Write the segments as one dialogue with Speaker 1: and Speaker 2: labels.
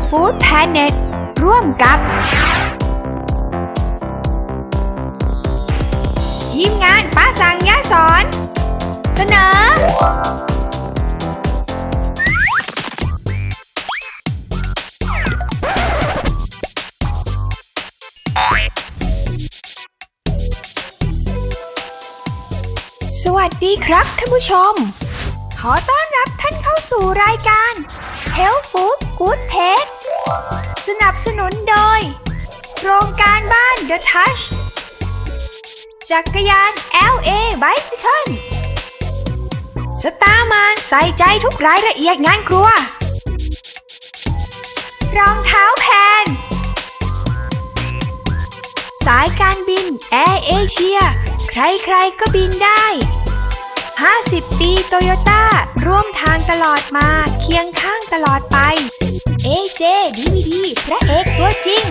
Speaker 1: Food Planet ร่วมกับทีมงานป้าสั่งยะสอนเสนอสวัสดีครับท่านผู้ชมขอต้อนรับท่านเข้าสู่รายการ Health Food Good Taste สนับสนุนโดยโครงการบ้าน The Touch จักรยาน LA Bicycle สตาร์มานใส่ใจทุกรายละเอียดงานครัวรองเท้าแพงสายการบินแอร์เอเชียใครๆก็บินได้50 ปีโตโยต้าร่วมทางตลอดมาเคียงข้างตลอดไป AJ DVD พระเอกตัวจริง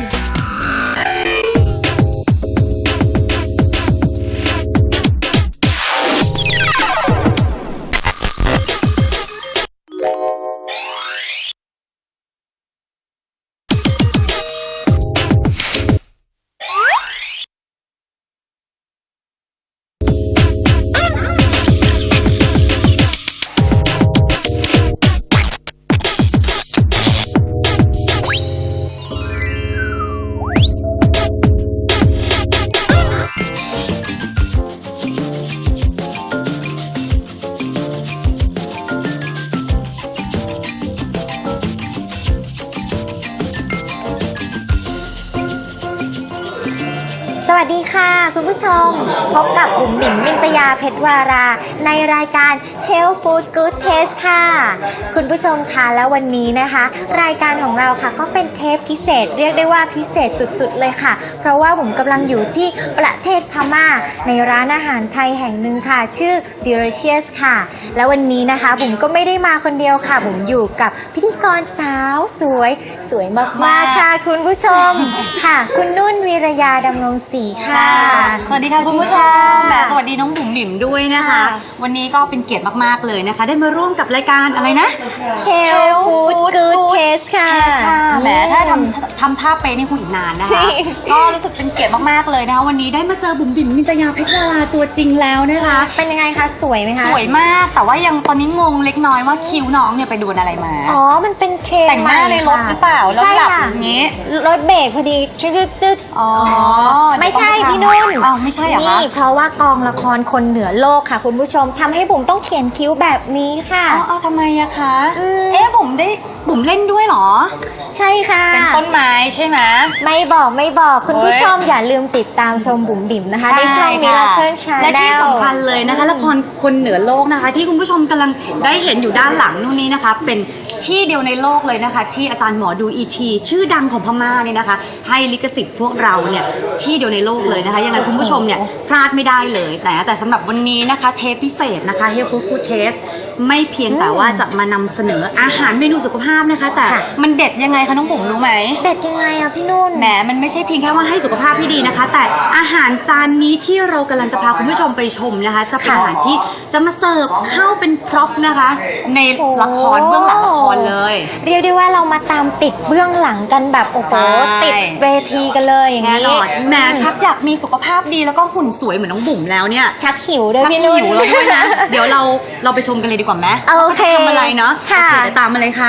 Speaker 2: สวัสดีค่ะคุณผู้ชมพบกับบุ๋มบิ๋มมินตยาเพชรวาราในรายการ Health Food Good Taste ค่ะคุณผู้ชมคะแล้ววันนี้นะคะรายการของเราค่ะก็เป็นเทปพิเศษเรียกได้ว่าพิเศษสุดๆเลยค่ะเพราะว่าบุ๋มกำลังอยู่ที่ประเทศพม่าในร้านอาหารไทยแห่งหนึ่งค่ะชื่อ Delicious ค่ะแล้ววันนี้นะคะบุ๋มก็ไม่ได้มาคนเดียวค่ะบุ๋มอยู่กับพิธีกรสาวสวยมากๆค่ะคุณผู้ชมค่ะคุณนุ่นวีรยาดำรงศรีค่ะ
Speaker 3: สวัสดีค่ะคุณผู้ชมแหมสวัสดีน้องบุ๋มบิ๋มด้วยนะคะวันนี้ก็เป็นเกียรติมากๆเลยนะคะได้มาร่วมกับรายการอะไรนะ
Speaker 2: Health Food Good Taste ค่ะ
Speaker 3: แหมถ้าทำท่าเป๊ะนี่คงอีกนานนะคะก็รู้สึกเป็นเกียรติมากๆเลยนะคะวันนี้ได้มาเจอบุ๋มบิ๋มมินตยาเพชรวาราตัวจริงแล้วนะคะ
Speaker 2: เป็นยังไงคะสวยไหมคะ
Speaker 3: สวยมากแต่ว่ายังตอนนี้งงเล็กน้อยว่าคิ้วน้องเนี่ยไปโดนอะไรมา
Speaker 2: อ๋อมันเป็นเทรนด์
Speaker 3: แต่งหน้าในรถหรือเปล่าแล้วหลับอย่างนี้
Speaker 2: รถเบรกพอดีตึ๊ด
Speaker 3: อ๋อ
Speaker 2: ไม่ใช่พี่นุ่น
Speaker 3: อ๋อไม่ใช่เหรอคะ
Speaker 2: นี่เพราะว่ากองละครคนเหนือโลกค่ะคุณผู้ชมทำให้บุ๋มต้องเขียนคิ้วแบบนี้ค่ะ
Speaker 3: อ๋อทำไมอะคะบุ๋มเล่นด้วยเหรอ
Speaker 2: ใช่ค่ะ
Speaker 3: เป็นต้นไม้ใช่ไหม
Speaker 2: ไม่บอกคุณผู้ชมอย่าลืมติดตามชมบุ๋มบิ๋มนะคะในช่องมิราเคิลชาแนล
Speaker 3: และที่สำคัญเลยนะคะละครคนเหนือโลกนะคะที่คุณผู้ชมกำลังได้เห็นอยู่ด้านหลังนู่นนี้นะคะเป็นที่เดียวในโลกเลยนะคะที่อาจารย์หมอดูอีทีชื่อดังของพม่าเนี่ยนะคะให้ลิขสิทธิ์พวกเราเนี่ยที่เดียวในโลกเลยนะคะยังไงคุณผู้ชมเนี่ยพลาดไม่ได้เลยแต่สำหรับวันนี้นะคะเทปพิเศษนะคะ Health Food Good Taste ไม่เพียงแต่ว่าจะมานำเสนออาหารเมนูสุขภาพนะคะแต่มันเด็ดยังไงคะน้องบุ๋มรู้ไหม
Speaker 2: เด็ดยังไงอะพี่นุ่น
Speaker 3: แหมมันไม่ใช่เพียงแค่ว่าให้สุขภาพที่ดีนะคะแต่อาหารจานนี้ที่เรากำลังจะพาคุณผู้ชมไปชมนะคะจะเป็นอาหารที่จะมาเสิร์ฟเข้าเป็นพร็อพนะคะในละครเบื้องหลังละครเลย
Speaker 2: เรียกได้ว่าเรามาตามติดเบื้องหลังกันแบบโอ้โหติดเวทีกันเลยอย่างนี้
Speaker 3: แหมชักอยากมีสุขภาพดีแล้วก็หุ่นสวยเหมือนน้องบุ๋มแล้วเนี่ย
Speaker 2: ชักหิวด้วยพี่นุ่น
Speaker 3: หิวแล้วด้วยนะเดี๋ยวเราไปชมกันเลยดีกว่าไหม
Speaker 2: โอเค
Speaker 3: ทำอะไรเนาะ
Speaker 2: ค่ะ
Speaker 3: เดี๋ยวตามมาเลยค่ะ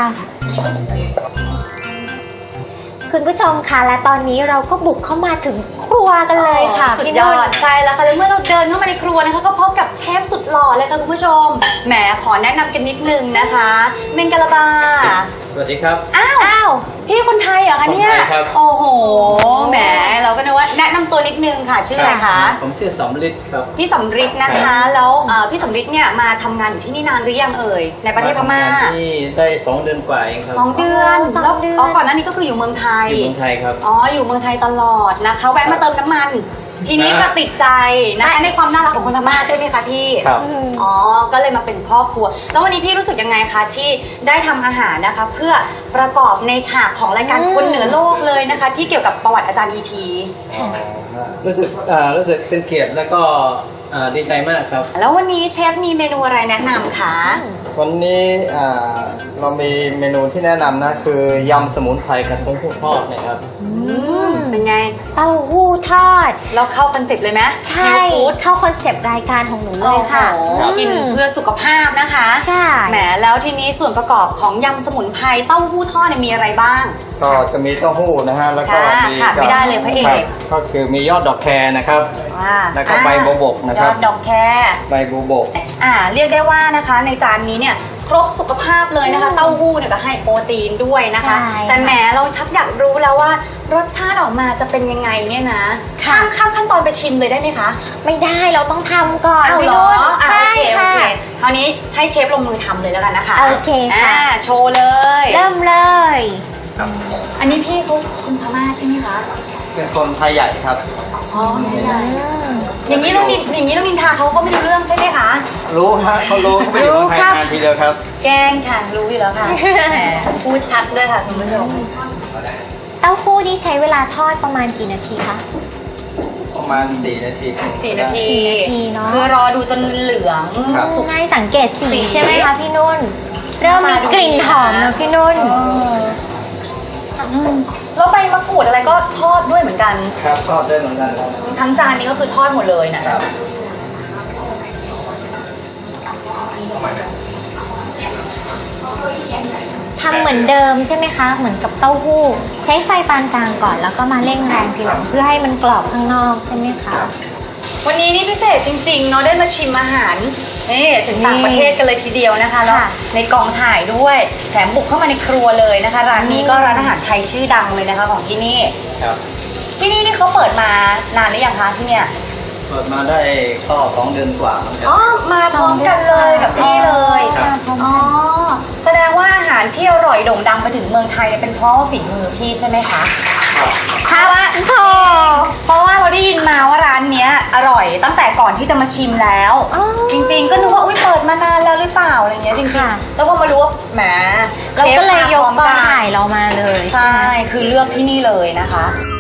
Speaker 2: คุณผู้ชมค่ะและตอนนี้เราก็บุกเข้ามาถึงครัวกันเลยค่ะ
Speaker 3: สุดยอดใช่แล้วค่ะแล้วเมื่อเราเดินเข้ามาในครัวนะคะก็พบกับเชฟสุดหล่อเลยค่ะคุณผู้ชมแหมขอแนะนำกันนิดนึงนะคะเมงกะลาบา
Speaker 4: สวัสดีครับ
Speaker 3: อ้าวพี่คนไทยเหรอคะเนี่ยโอ้โหแหมเราก็นึกว่าแนะนำตัวนิดนึงค่ะชื่ออะไรคะ
Speaker 4: ผมชื่อสำริดครับ
Speaker 3: พี่สำริดนะคะแล้วพี่สำริดเนี่ยมาทำงานอยู่ที่นี่นานหรือยังเอ่ยในประเทศพม่า
Speaker 4: ที่ได้2 เดือนกว่าเองครับ
Speaker 3: 2 เดือนแล้วก่อนหน้านี้ก็คืออยู่เมืองไทย
Speaker 4: อยู่เมืองไทยครับ
Speaker 3: อยู่เมืองไทยตลอดนะคะแวะมาเติมน้ำมันทีนี้ก็ติดใจนะคะในความน่ารักของคนพม่าใช่ไหมคะพี่
Speaker 4: ครับ
Speaker 3: ก็เลยมาเป็นครอบครัวแล้ววันนี้พี่รู้สึกยังไงคะที่ได้ทำอาหารนะคะเพื่อประกอบในฉากของรายการคนเหนือโลกเลยนะคะที่เกี่ยวกับประวัติอาจารย์อีที
Speaker 4: รู้สึกเป็นเกียรติแล้วก็ดีใจมากครับ
Speaker 3: แล้ววันนี้เชฟมีเมนูอะไรแนะนำคะ
Speaker 4: วันนี้เรามีเมนูที่แนะนำนะคือยำสมุนไพรกระทงผู้ทอดนะครับ
Speaker 3: เป็นไง
Speaker 2: เต้าหู้ทอด
Speaker 3: เราเข้าคอนเซ็ปต์เลยไหม
Speaker 2: ใช่
Speaker 3: Health Food
Speaker 2: เข้าคอนเซปต์รายการของหนูเลยค่ะ
Speaker 3: โอ้โหกินเพื่อสุขภาพนะคะ
Speaker 2: ใช่
Speaker 3: แหมแล้วทีนี้ส่วนประกอบของยำสมุนไพรเต้าหู้ทอดเนี่ยมีอะไรบ้าง
Speaker 4: ก็จะมีเต้าหู้นะฮะแล้วก็
Speaker 3: ค่ะ
Speaker 4: มี
Speaker 3: ขาดไม่ได้เลยพระเอก
Speaker 4: คบก็คือมียอดดอกแครนะครับ แล้วก็ใบบัวบกนะครับ
Speaker 3: ยอดดอกแคร
Speaker 4: ใบบัวบก
Speaker 3: เรียกได้ว่านะคะในจานนี้เนี่ยครบสุขภาพเลยนะคะ เต้าหู้เนี่ยก็ให้โปรตีนด้วยนะคะ
Speaker 2: ใช่
Speaker 3: แต่แหมเราชักอยากรู้แล้วว่ารสชาติออกมาจะเป็นยังไงเนี่ยนะข้ามขั้นตอนไปชิมเลยได้ไหมคะ
Speaker 2: ไม่ได้เราต้องทำก่อน
Speaker 3: เอา
Speaker 2: พี่
Speaker 3: เหรอ
Speaker 2: นุ่น
Speaker 3: อ่ะ
Speaker 2: ใช่
Speaker 3: โอ
Speaker 2: ค่ะ
Speaker 3: เคคราวนี้ให้เชฟลงมือทำเลยแล้วกันนะคะ
Speaker 2: โอเคค่ะ
Speaker 3: โชว์เลย
Speaker 2: เริ่มเลย
Speaker 3: อันนี้พี่เขาคนพม่าใช่ไหมคะ
Speaker 4: เป็นคนไทยใหญ่ครับ
Speaker 3: อ๋ออย่างนี้เรานินทาเขาก็ไม่รู้เรื่องใช่ไหมคะ
Speaker 4: รู้ฮะเขารู้เขาไปอยู่เมืองไทยนานทีเดียวครับ
Speaker 3: แกล้งค่ะรู้อยู่แล้วค่ะแหมพูดชัดด้วยค่ะคุณผู้ชม
Speaker 2: เต้าหู้นี่ใช้เวลาทอดประมาณกี่นาทีคะ
Speaker 4: ประมาณ4 นาที
Speaker 3: 4 นาที
Speaker 2: 4 นาทีเนอะ
Speaker 3: คือรอดูจนเหลือง
Speaker 4: ครับ
Speaker 3: สุก
Speaker 2: ง่ายสังเกต
Speaker 3: สี
Speaker 2: สีใช่ไหมคะพี่นุ่น เริ่มมีกลิ่นหอมแล้วพี่นุ่น
Speaker 3: แล้วใบมะกรูดอะไรก็ทอดด้วยเหมือนกัน
Speaker 4: ครับทอดได้เหมือนกันครับ
Speaker 3: ทั้งจานนี้ก็คือทอดหมดเลยนะ
Speaker 4: ครับ
Speaker 2: ทำเหมือนเดิมใช่ไหมคะ เหมือนกับเต้าหู้ ใช้ไฟปานกลางก่อนแล้วก็มาเร่งแรงทีหลังเพื่อให้มันกรอบข้างนอกใช่ไหมคะ
Speaker 3: วันนี้นี่พิเศษจริงๆเนาะได้มาชิมอาหารนี่ถึงต่างประเทศกันเลยทีเดียวนะคะแล้ว
Speaker 2: ค่ะ
Speaker 3: ในกองถ่ายด้วยแถมบุกเข้ามาในครัวเลยนะคะร้านนี้ก็ร้านอาหารไทยชื่อดังเลยนะคะของที่นี่
Speaker 4: ครับ
Speaker 3: ที่นี่เขาเปิดมานานหรือยังคะที่เนี่ย
Speaker 4: เปิดมาได้ก็2 เดือนกว่าแล้วครับ
Speaker 3: อ๋อมาพร้อมกันเลยกับพี่เลย
Speaker 4: ครับ
Speaker 3: อ๋อแสดงว่าอาหารที่อร่อยโด่งดังไปถึงเมืองไทยเนี่ยเป็นเพราะว่าฝีมือพี่ใช่ไหมคะเพราะว่าเราได้ยินมาว่าร้านเนี้ยอร่อยตั้งแต่ก่อนที่จะมาชิมแล้ว
Speaker 2: อ๋อ
Speaker 3: จริงๆ ก็นึกว่าอุ้ยเปิดมานานแล้วหรือเปล่าอะไรเงี้ยจริง
Speaker 2: ค่ะ
Speaker 3: ๆ แล้วพอมารู้ว่าแหม
Speaker 2: เราก็เลยยกกอง
Speaker 3: เชฟมาพร้อมน
Speaker 2: ถ่ายเรามาเลย
Speaker 3: ใช่ คือเลือกที่นี่เลยนะคะ